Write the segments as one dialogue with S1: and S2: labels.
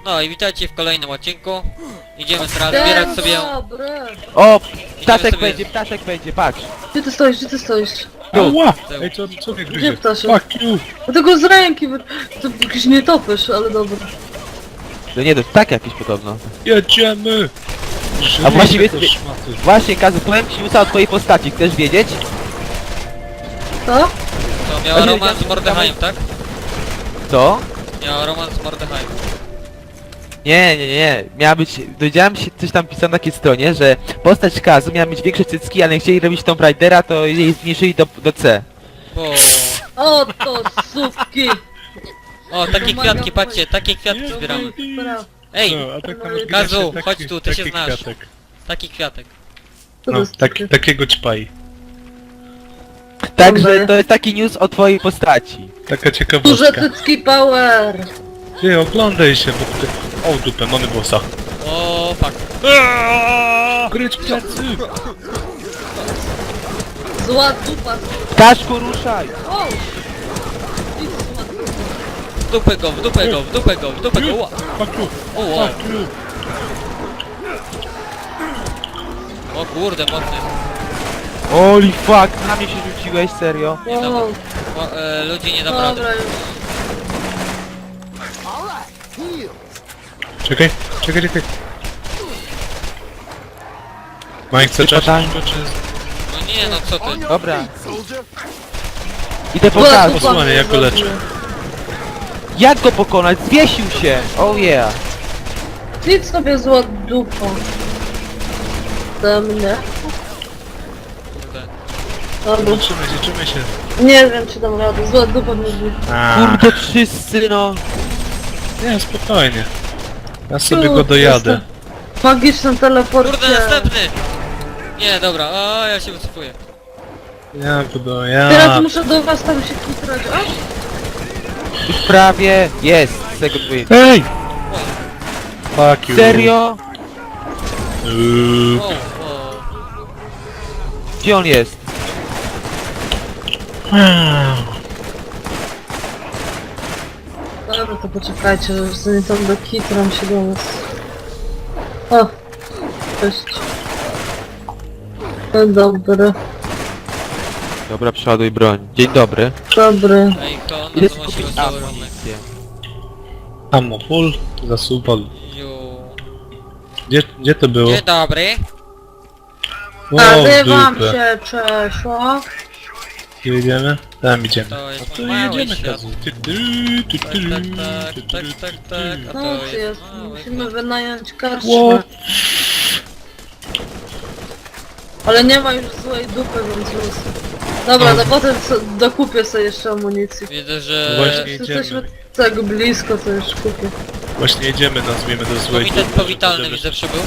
S1: No i witajcie w kolejnym odcinku. Idziemy teraz zbierać sobie...
S2: Dobry.
S3: O!
S1: sobie-
S3: Ptaszek będzie, patrz!
S2: Gdzie ty stoisz, gdzie ty stoisz?
S4: Ała!
S1: Tył.
S4: Ej, co mnie
S2: Gdzie
S4: gryzie?
S2: ptaszek?
S4: Fuck you!
S2: No tego z ręki, to jakiś nietoperz, ale dobra.
S3: No nie, to tak jakieś podobno.
S4: Jedziemy!
S3: A właściwie-
S4: Żyjcie, te szmaty.
S3: Właśnie, Kazu, powiem ci newsa o twojej postaci, chcesz wiedzieć?
S2: Co?
S1: To miała
S3: Właśnie
S1: romans z
S3: wiedziałem,
S1: Mordechai'em, tak?
S3: Co?
S1: Miała romans z Mordechai'em.
S3: Nie. Miała być, dowiedziałem się, coś tam pisano na takiej stronie, że postać Kazu miała mieć większe cycki, ale jak chcieli robić Tomb Raidera, to jej zmniejszyli do C.
S1: Bo...
S2: O to sówki!
S1: O, takie kwiatki, patrzcie, takie kwiatki zbieramy. Ej,
S4: No, a tak tam
S1: Kazu,
S4: taki-
S1: chodź tu, ty się
S4: taki
S1: znasz.
S4: kwiatek.
S1: taki kwiatek.
S2: Co to
S4: No,
S2: jest takie?
S4: takiego ćpaj.
S3: Także to jest taki news o twojej postaci.
S4: Taka
S2: Duże
S4: ciekawostka.
S2: cycki power!
S4: Ty, oglądaj się, bo ty... O, dupę, mamy bossa.
S1: O, fuck.
S4: Gryć plecy!
S2: Zła dupa!
S3: Ptaszku, ruszaj!
S2: O! Idź, zła dupa.
S1: W dupę go, w dupę go, w dupę go, w dupę go. Ła.
S4: Fuck you!
S1: O, wow.
S4: Fuck you!
S1: O kurde, mocny.
S3: Holy fuck, na mnie się rzuciłeś, serio?
S1: Nie dam,
S2: Wow.
S1: o, ludzi nie dam rady.
S2: Dobra już.
S4: Czekaj. Mike, chcesz
S3: Pytanie.
S4: czy...
S1: No nie, no co ty?
S3: Dobra. Idę po
S2: Zła
S3: Kazu.
S2: dupa
S4: Posłuchaj,
S2: mnie
S4: jak go leczę.
S2: zabiła.
S3: Jak go pokonać? Zwiesił się! Oh yeah!
S2: Idź sobie zła dupa. Do mnie.
S1: Kurde.
S2: Dobra.
S4: Liczymy się.
S2: Nie wiem czy dam radę, zła dupa mnie zbiła.
S3: Kurde, wszyscy no!
S4: Nie, spokojnie. Ja sobie go dojadę.
S2: Magicznym teleporcie.
S1: Kurde, następny! Nie, dobra, o, ja się wycofuję.
S4: Ja go
S2: Teraz
S4: dojadę.
S2: muszę do was tam się kitrać. O!
S3: Już prawie jest! Second win.
S4: Ej! Fuck you.
S3: Serio?
S1: O, o.
S3: Gdzie on jest?
S2: Dobra, to poczekajcie, że zanim tam do kitram się do was. O! Cześć. No dobry,
S3: Dobra, przeładuj broń. Dzień dobry.
S2: dobry.
S1: Ej, to
S3: Idę
S1: no to musi
S3: kupić
S1: być cały romek.
S3: amunicję.
S4: Ammo full, zasuwa.
S1: Ju.
S4: Gdzie to było?
S1: Dzień dobry.
S2: A wam
S4: dupę.
S2: się przeszło.
S4: Gdzie jedziemy? Tam idziemy.
S1: To jest
S4: A tu
S1: mój mały
S4: jedziemy,
S1: świat.
S4: Kazu.
S1: Tak, a
S2: No
S1: to
S2: co jest?
S1: mały
S2: Musimy
S1: świat.
S2: wynająć
S4: Ło.
S2: karczmę. Ale nie ma już złej dupy, więc luz. Dobra, to potem dokupię sobie jeszcze amunicji.
S1: Widzę, że...
S4: Właśnie
S2: Jesteśmy
S4: jedziemy.
S2: tak blisko, to już kupię.
S4: Właśnie jedziemy, nazwijmy do złej
S1: Komitet
S4: dupy,
S1: powitalny
S4: żeby-
S1: widzę przybył.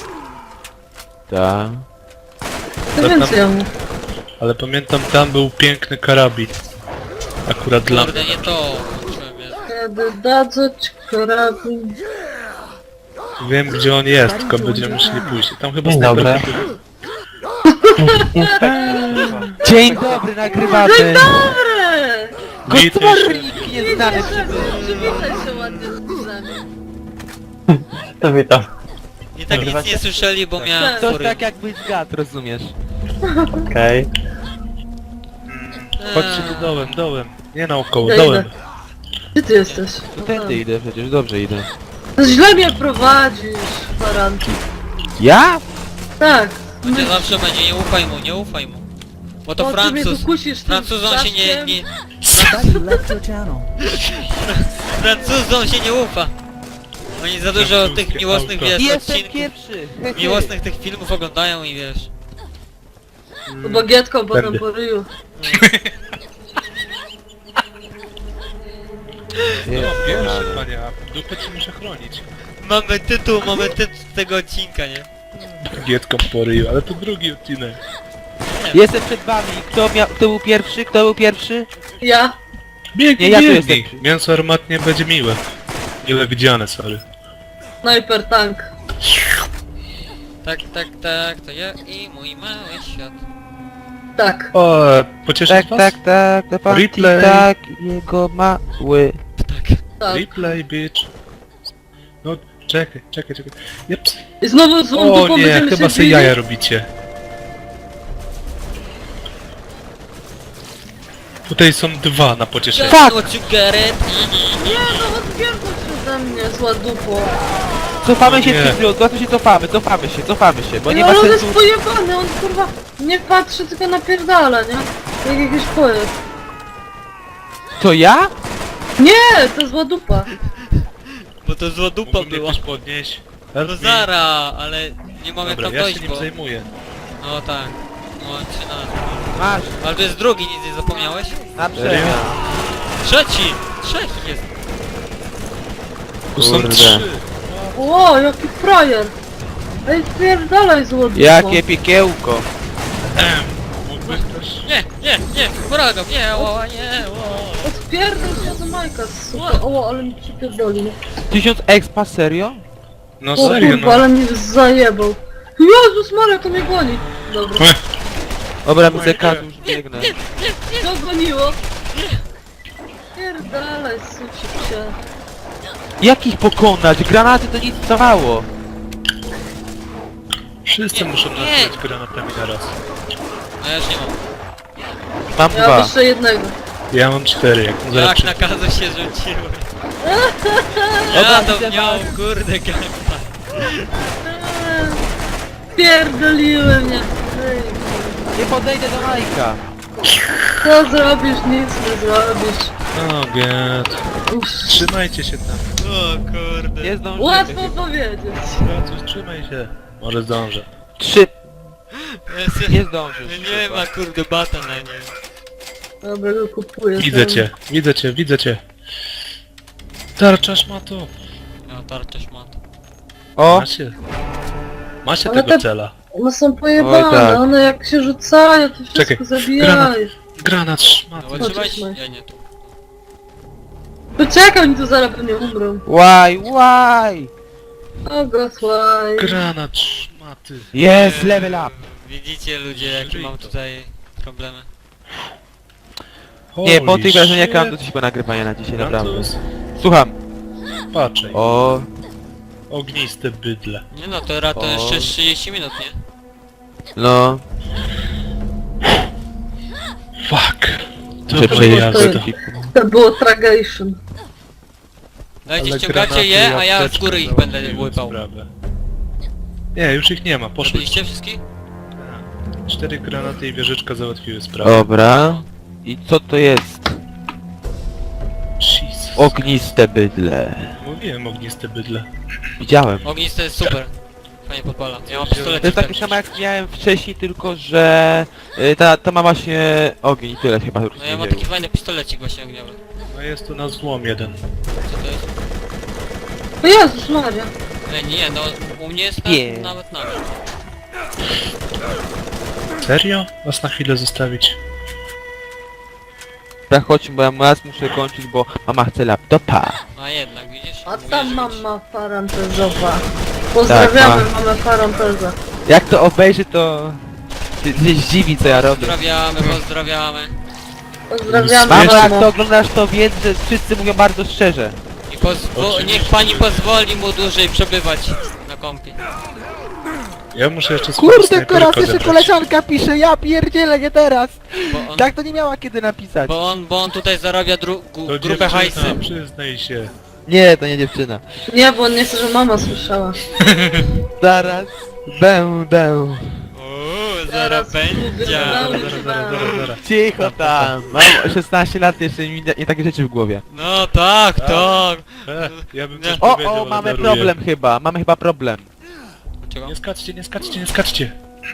S3: Tak.
S2: To
S4: To
S2: więcej
S4: tam-
S2: amu.
S4: Ale pamiętam, tam był piękny karabin. Akurat dla mnie.
S1: Kurde, nie to. Włączyłem, jest.
S2: Kiedy dadzą ci karabin.
S4: Wiem gdzie on jest, tylko będziemy musieli pójść. Tam chyba
S3: Dzień
S4: snajper
S3: dobry.
S4: był.
S3: Dzień dobry, nagrywamy!
S2: Dobry!
S3: Gospodarnik nieznany
S2: Przywitaj się ładnie z widzami.
S5: To witam.
S1: I tak nic nie słyszeli, bo miałem
S3: To
S1: fury.
S3: tak jakbyś gad, rozumiesz?
S5: Okej.
S4: Chodźcie tu dołem. Nie naokoło,
S2: Ja
S4: dołem.
S2: idę. Gdzie ty jesteś?
S3: To tędy idę przecież, dobrze idę.
S2: To źle mnie prowadzisz, baranki.
S3: Ja?
S2: Tak.
S1: Będzie zawsze będzie, nie ufaj mu, nie ufaj mu. Bo to
S2: O, ty mnie
S1: Francuz.
S2: tu kusisz tym
S1: Francuzom się nie...
S2: ptaszkiem.
S1: Francuzom się nie ufa. Oni za dużo
S4: Francuskie
S1: tych miłosnych, wiesz,
S3: Jestem
S1: odcinków,
S3: pierwszy!
S1: miłosnych tych filmów oglądają i wiesz.
S2: To bagietką potem
S4: Będę.
S2: po ryju.
S4: No, pierwszy panie, a dupę ci muszę chronić.
S1: Mamy tytuł tego odcinka, nie?
S4: Gietką po ryju, ale to drugi odcinek.
S3: Jestem przed wami. Kto był pierwszy? Kto był pierwszy?
S2: Ja?
S4: Biegnij,
S3: Nie, ja tu
S4: biegnij.
S3: jestem.
S4: Mięso armatnie będzie miłe. Mile widziane, sorry.
S2: Sniper tank.
S1: Tak, to ja i mój mały świat.
S2: Tak.
S4: O, pocieszyć
S3: Tak,
S4: was?
S3: tak, tak, to pan
S4: Replay.
S3: tak, jego mały.
S1: Tak.
S2: Tak.
S4: Replay, bitch. No, czekaj. Jeps.
S2: I znowu złą
S4: O
S2: dupą
S4: nie,
S2: będziemy
S4: chyba
S2: się
S4: sobie
S2: bili?
S4: jaja robicie. Tutaj są dwa na pocieszenie.
S3: Fuck!
S1: What you get it?
S2: Nie, no odpierdol się ze mnie, zła dupo.
S3: Cofamy się,
S4: Nie.
S3: Cypriu, to się cofamy się, bo nie
S2: No
S3: ma
S2: ale on jest
S3: sensu...
S2: pojebany, on kurwa nie patrzy, tylko napierdala, nie? Jak jakiś pojeb.
S3: To ja?
S2: Nie, to zła dupa.
S1: Bo to zła dupa
S4: Mógłbym
S1: była.
S4: jakoś podnieść.
S1: No zara, ale nie mam jak
S4: Dobra,
S1: tam
S4: ja się
S1: dojść,
S4: nim
S1: bo...
S4: zajmuję.
S1: No tak. No 13.
S3: Masz,
S1: Ale to jest drugi, nic nie zapomniałeś?
S3: na
S4: Serio?
S3: przemian.
S1: Trzeci! Trzech jest.
S4: Tu są
S3: Kurde.
S4: 3.
S2: Ło, jaki frajer. Ej, pierdalaj zła dupa.
S3: Jakie piekiełko.
S4: Mógłbyś też...
S1: Nie, błagam, nie, nie,
S2: Odpierdol się do Majka, super. O, ale mi przypierdoli, no.
S3: 1000 expa, serio?
S4: No
S2: O
S4: serio,
S2: kurwa,
S4: no.
S2: ale mnie zajebał. Jezus Maria, to mnie goni. Dobra,
S3: Dobra, widzę Kazu, już biegnę.
S2: to goniło. Pierdalaj, suci się.
S3: Jak ich pokonać? Granaty to nic nie dawało.
S4: Wszyscy
S1: Nie,
S4: muszą
S1: nie.
S4: nastrzelać granatami na raz.
S1: No ja już nie mam.
S3: Mam
S2: Ja mam
S3: dwa.
S2: jeszcze jednego.
S4: Ja mam 4, jak zaraz
S1: Jak
S4: przy...
S1: na kazu się rzuciłem.
S3: Dobra,
S1: Ja to
S3: widzę
S1: miał,
S3: was.
S1: kurde, gangsta.
S2: Pierdoliły mnie. Ej,
S3: Nie podejdę do Majka.
S2: co zrobisz? Nic nie zrobisz.
S4: O, get.
S2: Uff,
S4: Trzymajcie się tam.
S1: O kurde.
S3: Nie zdążymy
S2: łatwo
S3: chyba.
S2: powiedzieć.
S4: Racuś, trzymaj się. Może zdążę.
S3: 3.
S1: Jest-
S3: Nie zdążysz.
S1: Nie ma kurde bata na nie.
S2: Dobra, go kupuję.
S4: Widzę cię. Tarczasz ma to.
S1: No tarczę szmat.
S3: O!
S4: Macie
S2: Ale
S4: tego
S2: te-
S4: cela.
S2: One są pojebane,
S3: Oj, tak.
S2: one jak się rzucają, to wszystko
S4: Czekaj,
S2: zabijają.
S4: Granat szmat.
S1: No bo
S2: Chodź,
S1: trzymaj
S2: trzymaj.
S1: się. Ja nie tu.
S2: Poczekaj, oni tu zaraz pewnie umrą.
S3: Why?
S2: O gosłaj.
S4: Granat szmaty.
S3: Jest, level up.
S1: Widzicie ludzie jakie mam tutaj problemy.
S3: Nie, po
S4: Holy
S3: tych wrażeniach mam
S4: shit.
S3: dosyć chyba nagrywania na dzisiaj, naprawdę.
S4: Francuz,
S3: Słucham.
S4: patrzaj.
S3: O,
S4: Ogniste bydle.
S1: Nie no, to to
S3: O.
S1: jeszcze 30 minut, nie?
S3: no.
S4: Fuck.
S3: Muszę
S4: Dobra
S3: przejść
S4: jazda.
S3: do
S2: To było tragation.
S1: Dajcie,
S4: Ale
S1: ściągacie
S4: granaty
S1: je,
S4: i
S1: a ja z
S4: apteczkę
S1: góry ich będę
S4: załatwiły
S1: łypał.
S4: sprawę. Nie, już ich nie ma, poszły.
S1: Zrobiliście wszystkich?
S4: 4 granaty i wieżyczka załatwiły sprawę.
S3: Dobra. I co to jest?
S4: Jesus.
S3: Ogniste bydle.
S4: Mówiłem ogniste bydle.
S3: Widziałem.
S1: Ognisty jest super. Fajnie podpala. Ja mam
S3: To
S1: pistolet.
S3: jest takie samo jak miałem wcześniej, tylko że ta ma właśnie ogień i tyle chyba
S1: No
S3: różnie
S1: ja mam
S3: dzieje.
S1: taki fajny pistolecik właśnie ogniowy.
S4: No jest tu na złom jeden.
S1: Co to jest?
S2: O Jezus Maria.
S1: Nie, no u mnie jest
S3: Nie.
S1: nawet na.
S4: Serio? Was na chwilę zostawić?
S3: Dobra, chodźmy, bo ja raz muszę kończyć, bo mama chce laptopa.
S1: A jednak, widzisz?
S2: A
S1: Mówię,
S2: tam
S1: że
S2: mama parentezowa. Pozdrawiamy mamę parentezę.
S3: Jak to obejrzy, to się zdziwi, co ja robię.
S1: Pozdrawiamy.
S2: Pozdrawiamy
S3: Mamo, jak
S2: mamo.
S3: to oglądasz, to wiedz, że wszyscy mówią bardzo szczerze.
S1: I niech pani pozwoli mu dłużej przebywać na kompie.
S4: Ja muszę jeszcze snajperkę odebrać.
S3: pisze, ja pierdzielę, nie teraz.
S1: Bo on,
S3: Tak to nie miała kiedy napisać.
S1: bo on tutaj zarabia
S4: To
S1: grupę
S4: dziewczyna,
S1: hajsy.
S4: przyznaj się.
S3: Nie, to nie dziewczyna.
S2: Nie, bo on nie chce, że mama słyszała.
S3: Zaraz będę.
S1: Uuu,
S2: Zaraz
S1: zaraz będzie.
S4: Zaraz.
S3: Cicho tam. Mam 16 lat, jeszcze nie takie rzeczy w głowie.
S1: No tak, tak.
S4: Ja bym
S1: Nie.
S4: coś
S3: O,
S4: powiedział, ale
S3: mamy
S4: daruję.
S3: problem chyba. Mamy chyba problem.
S1: Czego?
S4: Nie skaczcie, nie skaczcie, nie skaczcie.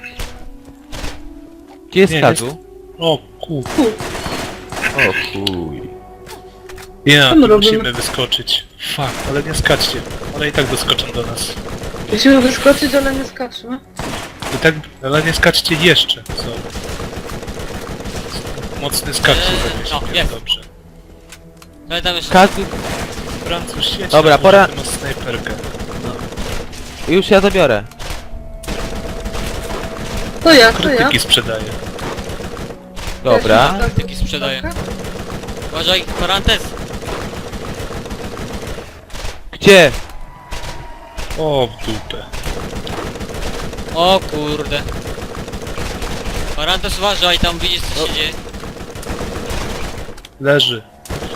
S3: Gdzie jest
S4: Nie,
S3: Kazu?
S4: O ku.
S3: O chuj.
S4: Ja,
S2: Co my
S4: tu
S2: robimy?
S4: musimy wyskoczyć. Fuck, ale nie skaczcie. One i tak doskoczą do nas.
S2: Musimy wyskoczyć, ale nie skaczmy.
S4: I tak, ale nie skaczcie jeszcze. Co? Mocny skak się
S1: no,
S4: zaniesie.
S1: jest.
S4: Dobrze.
S1: Ale tam jeszcze...
S3: Kazu,
S4: Francuz świeci.
S3: Dobra,
S4: na
S3: pora-
S4: Ty masz snajperkę.
S3: już ja zabiorę.
S2: To ja.
S4: Krytyki sprzedaję.
S3: Dobra.
S1: Krytyki sprzedaję. Uważaj, parantez.
S3: Gdzie?
S4: O, w dupę.
S1: O kurde. Parantos uważaj, tam widzisz co się dzieje.
S4: Leży.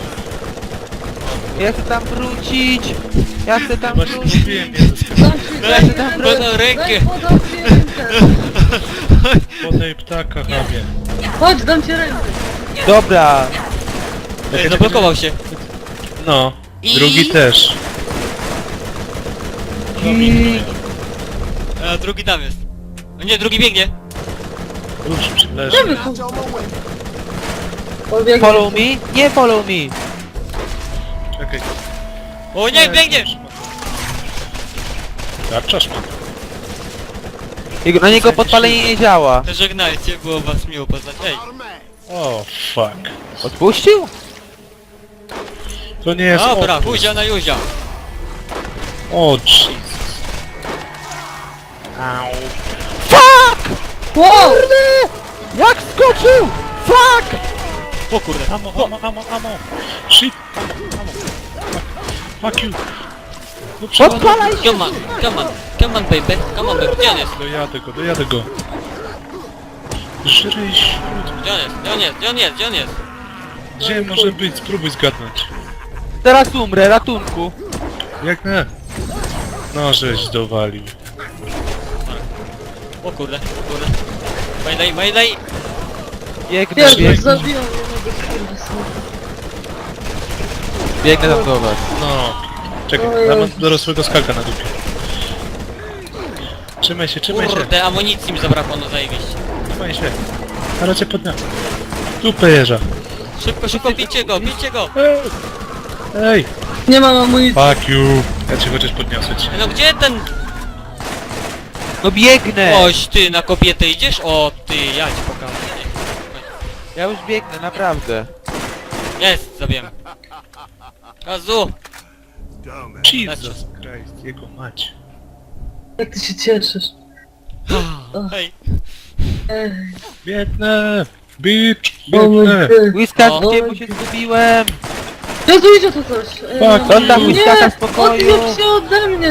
S3: Ja chcę tam wrócić! Ja chcę tam
S4: Właśnie
S3: wrócić!
S4: mówiłem, nie zyskam.
S2: Dam ci,
S1: Daj,
S2: daj,
S1: podał rękę.
S2: daj, podam ci rękę.
S4: Podaj ptaka, chamie.
S2: Chodź, dam ci rękę.
S3: Dobra!
S1: Ej, zablokował się.
S4: No.
S1: I-
S4: Drugi też.
S1: A drugi tam jest. No nie, drugi biegnie.
S4: Już leży.
S2: Gdzie wy tu? Pobiegł.
S3: Follow me? Nie follow me!
S4: Czekaj.
S1: O nie, biegnie!
S4: Tarczasz ma.
S3: Na niego podpalenie nie działa.
S1: Żegnajcie, było was miło poznać. Ej,
S4: O, fuck.
S3: Odpuścił?
S4: To nie jest
S1: dobra,
S4: opór.
S1: huzia na juzia.
S4: O, Jesus. Au.
S2: Wow!
S3: Jak skoczył! Fuck!
S1: O kurde.
S4: Amo. Shit. Amo. Fuck you. No
S3: Podpalaj się!
S1: Come on baby, come on baby, gdzie on jest?
S4: Dojadę go. Żryj śród.
S1: Gdzie on jest?
S4: Gdzie może być? Spróbuj zgadnąć.
S3: Teraz umrę, ratunku!
S4: Jak nie? No, żeś dowalił.
S1: O kurde. Mayday.
S3: Biegnę,
S2: Pierwszy
S3: biegnę,
S2: zabiją jednego skurwysyna.
S3: biegnę tam do was.
S4: No. Czekaj,
S2: O
S4: ja mam
S2: Jezus.
S4: dorosłego skaka na dupie. Trzymaj się.
S1: Kurde, amunicji mi zabrakło, no zajebiście.
S4: Trzymaj się. Ale cię podniosę. Dupę jeża.
S1: Szybko, bijcie go!
S4: Ej!
S2: Nie mam amunicji.
S4: Fuck you! Ja cię chociaż podniosę ci.
S1: No gdzie ten...
S3: No biegnę!
S1: Oś ty, na kobietę idziesz? O ty, ja ci pokażę.
S3: Ja już biegnę, naprawdę.
S1: Jest, zabiłem. Kazu!
S4: Jesus Christ, jego mać.
S2: Jak ty się cieszysz.
S1: Hej.
S2: Ej,
S4: Biegnę! Bitch!
S2: o mój
S4: Biegnę!
S2: Ty.
S3: Whiskackie,
S2: O.
S3: bo się zgubiłem!
S2: Jezu, idzie tu coś.
S4: Fuck,
S3: oddam
S2: nie,
S3: Whiskacka w spokoju.
S2: odbieg się ode mnie.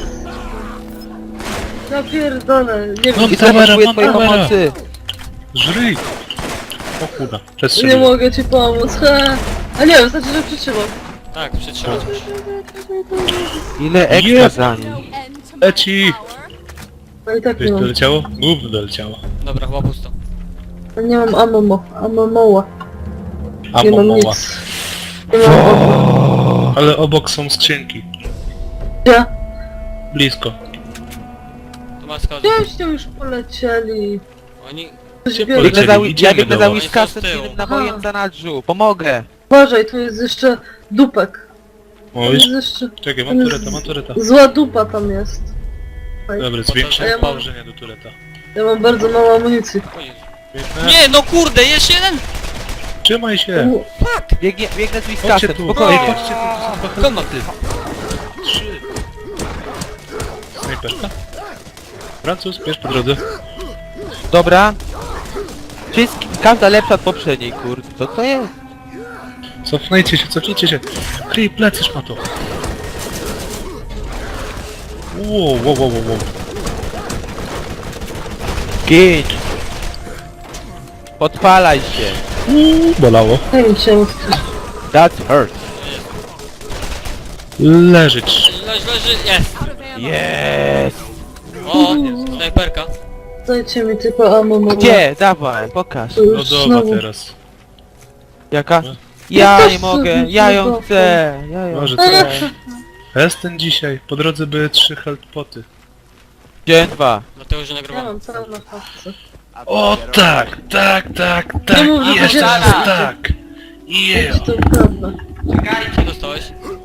S2: Ja pierdolę, nie
S4: No,
S2: wiem,
S3: I
S4: Kamera,
S3: potrzebuję
S4: mam
S3: twojej
S4: kamerę.
S3: pomocy!
S4: Żryj! O kurwa,
S2: nie
S4: przestrzelił.
S2: mogę ci pomóc. He. A nie, wystarczy, że przytrzymam.
S1: Tak, przytrzymać muszę.
S3: Ile ekstra
S4: Jeb.
S3: za nim?
S4: Leci!
S2: No i tak
S4: Coś
S2: nie mam.
S4: doleciało? Gówno doleciało.
S1: Dobra, chyba pusto.
S2: Nie mam amomoła.
S4: A
S2: Nie mam
S4: momoła.
S2: nic. Nie mam
S4: Ale obok są skrzynki.
S2: gdzie?
S4: Blisko.
S1: Tu ma schody.
S2: Gdzieście już polecieli.
S1: Oni...
S2: Coś
S4: Gdzie
S2: biorę.
S4: polecieli?
S3: Biegnę za,
S4: Idziemy
S3: ja biegnę
S4: do
S3: za
S4: was.
S3: Whiskasem
S1: Oni są z tyłu.
S3: innym nabojem za nadrzu. Pomogę!
S2: Uważaj, tu jest jeszcze dupek. Tu
S4: Oj,
S2: jest jeszcze...
S4: czekaj,
S2: tam
S4: mam
S2: jest
S4: tureta.
S2: Zła dupa tam jest.
S4: Dobra,
S2: A
S4: zwiększam
S2: ja mam-
S4: położenie do tureta.
S2: Ja mam bardzo mało amunicji.
S1: O Jezu.
S4: Biegnę.
S1: Nie, no kurde, jeszcze jeden!
S4: Trzymaj się!
S3: Biegnę z
S4: Chodźcie
S3: Whiskasem,
S4: tu!
S3: spokojnie.
S4: Chodźcie tu, to są dwa
S1: Come on.
S4: helmety. 3. Snajperka. Francuz, bierz po drodze.
S3: Dobra. Każda lepsza od poprzedniej, kurde. Co to jest?
S4: Cofnijcie się. Kryj plecy, szmato. Wow.
S3: Gin! Podpalaj się!
S4: Bolało.
S2: Daj mi się odkryć.
S3: That hurt.
S4: Leżeć.
S1: Leży, jest!
S3: Yes!
S1: O, snajperka.
S2: Dajcie mi tylko amomoła.
S3: Gdzie? Dawaj, pokaż.
S4: Lodowa teraz.
S3: Jaka?
S4: No.
S3: Ja
S2: też
S3: nie mogę,
S2: sobie
S3: ja ją
S2: lodową.
S3: chcę, ja ją
S4: Może
S3: chcę.
S4: co? Jestem dzisiaj. Po drodze były 3 healthpoty.
S3: Dzień 2.
S1: Dlatego, że
S2: Ja
S1: nagrywam.
S2: mam całą na fabce.
S4: O tak.
S2: Nie mów, że to
S4: Jeszcze
S2: dziecko.
S4: raz tak. Yeah.
S2: To prawda.
S1: Co dostałeś?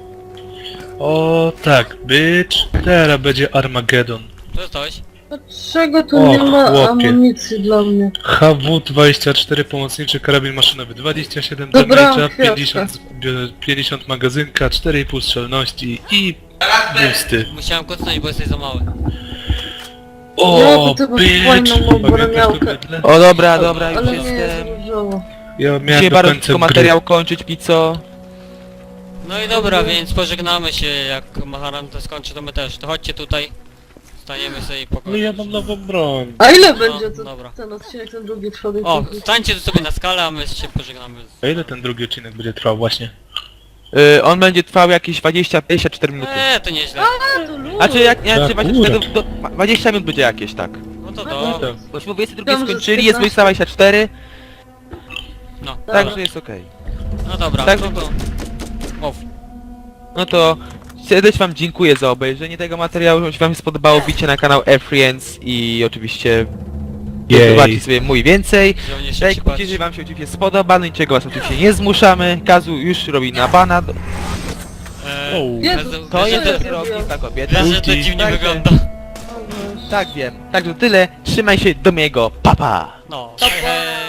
S4: O tak, bitch. Teraz będzie Armageddon.
S1: Co dostałeś?
S2: Dlaczego tu
S4: O,
S2: nie ma
S4: chłopie.
S2: amunicji dla mnie?
S4: HW-24 pomocniczy karabin maszynowy, 27
S2: Dobra,
S4: damage'a,
S2: chwileczkę.
S4: 50 magazynka, 4,5 strzelności i boosty.
S1: Musiałem kocnąć, bo jesteś za mały.
S4: O,
S2: Ja to tylko
S4: bitch!
S2: fajną mam
S4: Pamiętasz
S2: broniałkę.
S4: to bydle?
S3: O dobra, już
S2: Ale nie jest
S3: jestem.
S2: różowo.
S4: Ja miałem
S3: Dzisiaj
S4: do
S3: bardzo
S4: końca
S3: szybko
S4: gry.
S3: materiał kończyć, pizzo.
S1: No i dobra, więc pożegnamy się, jak Maharan to skończy, to my też. To chodźcie tutaj. Staniemy sobie i
S4: No
S1: pokoju.
S4: ja mam nową broń.
S2: A ile będzie
S1: dobra.
S2: ten odcinek, ten drugi człowiek?
S1: O, stańcie tu sobie na skalę, a my się pożegnamy.
S4: A ile ten drugi odcinek będzie trwał właśnie?
S3: On będzie trwał jakieś 20-24 minuty.
S1: To nieźle.
S2: A, to luz.
S3: A czy jak nie,
S4: Tak,
S3: czy 20 minut będzie jakieś, tak.
S1: No to
S2: No
S1: do...
S3: Bośmy 22
S2: Wiem, że
S3: skończyli, jest
S2: 15.
S3: 24,
S1: No,
S2: Dobra.
S3: także jest okej.
S1: no dobra,
S3: Tak,
S1: no to... O,
S3: No to serdecznie wam dziękuję za obejrzenie tego materiału, jeśli wam się spodobało, wbijcie na kanał AirFriends i oczywiście zobaczcie sobie mój więcej.
S1: żołnierz się
S3: Lajkujcie,
S1: przypatrzy.
S3: jeżeli wam się oczywiście spodoba, no niczego was oczywiście nie zmuszamy. Kazu już robi na bana,
S2: Jezu,
S1: bez-
S3: to
S1: bez-
S3: jest
S2: Jezu.
S3: kierownik, ta kobieta.
S1: Bez, że to dziwnie
S3: Także-
S1: wygląda.
S3: Tak wiem, także to tyle, trzymaj się do miłego, papa!
S1: No, hej, hej.